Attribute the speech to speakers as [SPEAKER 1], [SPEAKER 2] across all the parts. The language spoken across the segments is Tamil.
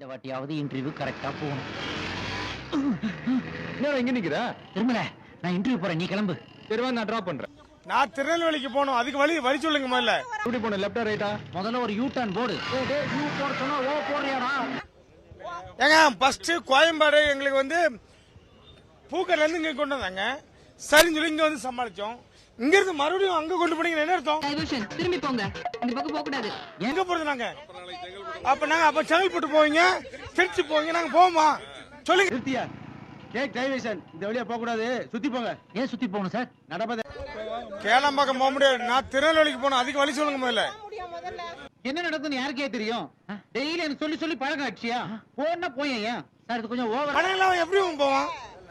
[SPEAKER 1] இந்த வாட்டியாவது இன்டர்வியூ கரெக்டா போகணும்.
[SPEAKER 2] என்ன இங்க நிக்கிற?
[SPEAKER 1] திரும்பல, நான் இன்டர்வியூ போறேன், நீ கிளம்பு.
[SPEAKER 2] சரிவா, நான் டிராப் பண்றேன்.
[SPEAKER 3] நான் திருநெல்வேலிக்கு போகணும், அதுக்கு வழி சொல்லுங்க முதல்ல.
[SPEAKER 2] எப்படி போகணும், லெஃப்டா ரைட்டா?
[SPEAKER 1] முதல்ல ஒரு யூ டர்ன் போடு. யூ போட சொன்னா ஓ போடுறியாடா?
[SPEAKER 3] ஏங்க ஃபர்ஸ்ட் கோயம்பாடு எங்களுக்கு வந்து பூக்கர்ல இருந்து இங்க கொண்டு வந்தாங்க. சரின்னு சொல்லி இங்க வந்து சமாளிச்சோம். இங்க இருந்து மறுபடியும் அங்க கொண்டு போனீங்க, என்ன அர்த்தம்?
[SPEAKER 4] டைவர்ஷன், திரும்பி போங்க, இந்த பக்கம் போக கூடாது.
[SPEAKER 3] எங்க போறது நாங்க? அப்ப செங்கல்பட்டு போவீங்க, திருச்சி போவீங்க, நாங்க போவோமா? சொல்லுங்க.
[SPEAKER 2] நிறுத்தியா? டேக் டைவர்ஷன், இந்த வழியா போக கூடாது, சுத்தி போங்க.
[SPEAKER 1] ஏன் சுத்தி போகணும் சார்?
[SPEAKER 2] நடப்பத
[SPEAKER 3] கேளம்பாக்கம் போக முடியாது, நான் திருநெல்வேலிக்கு போகணும், அதுக்கு வழி சொல்லுங்க முதல்ல.
[SPEAKER 2] என்ன நடக்குதுன்னு யாருக்கே தெரியும்? டெய்லி எனக்கு சொல்லி சொல்லி பழக்கம் ஆச்சியா? போனா போய் ஏன்
[SPEAKER 1] சார் இது கொஞ்சம் ஓவர்.
[SPEAKER 3] பணம் இல்லாம எப்படி போவான்?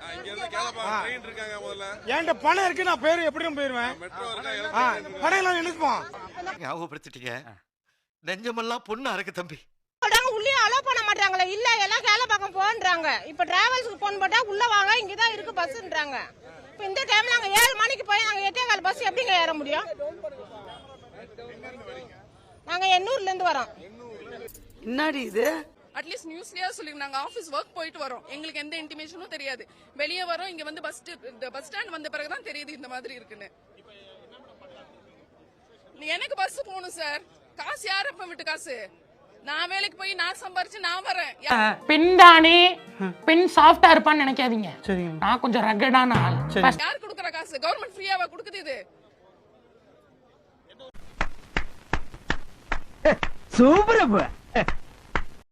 [SPEAKER 3] என்கிட்ட பணம் இருக்கு, நான் பேரு எப்படியும் போயிருவேன். பணம் இல்லாம எழுதுப்போம்.
[SPEAKER 5] ஞாபகப்படுத்திட்டீங்க, நெஞ்சமெல்லாம் பொண்ணா இருக்கு தம்பி.
[SPEAKER 6] உள்ளே அலோ பண்ண மாட்டாங்களே, இல்ல எல்லாம் கேளம்பாக்கம் போன்றாங்க. இப்ப டிராவல்ஸ்க்கு போன் போட்டா உள்ள வாங்க, இங்கதான் இருக்கு பஸ்ன்றாங்க. இப்ப இந்த டைம்ல நாங்க 7 மணிக்கு போய் நாங்க 8:15 பஸ் எப்படிங்க ஏற முடியும்? நாங்க எண்ணூர்ல இருந்து வரோம்.
[SPEAKER 7] என்னடி இது?
[SPEAKER 8] அட்லீஸ்ட் நியூஸ்லயே சொல்லுங்க, நாங்க ஆபீஸ் ஒர்க் போயிட்டு வரோம், எங்களுக்கு எந்த இன்டிமேஷனும் தெரியாது. வெளியே வரோம், இங்க வந்து பஸ் ஸ்டாண்ட் வந்த பிறகுதான் தெரியுது இந்த மாதிரி இருக்குன்னு. எனக்கு பஸ் போகணும் சார், காசு யார் அப்ப விட்டு காசு? நான் வேலைக்கு போய் நான் சம்பாரிச்சு நான் வரேன்.
[SPEAKER 9] பின் தானே பின் சாஃப்டா இருப்பான்னு நினைக்காதீங்க. நான் கொஞ்சம் ரகடான ஆள்.
[SPEAKER 8] யார் கொடுக்கற காசு? கவர்மெண்ட் ஃப்ரீயாவா கொடுக்குது? இது
[SPEAKER 1] சூப்பர்.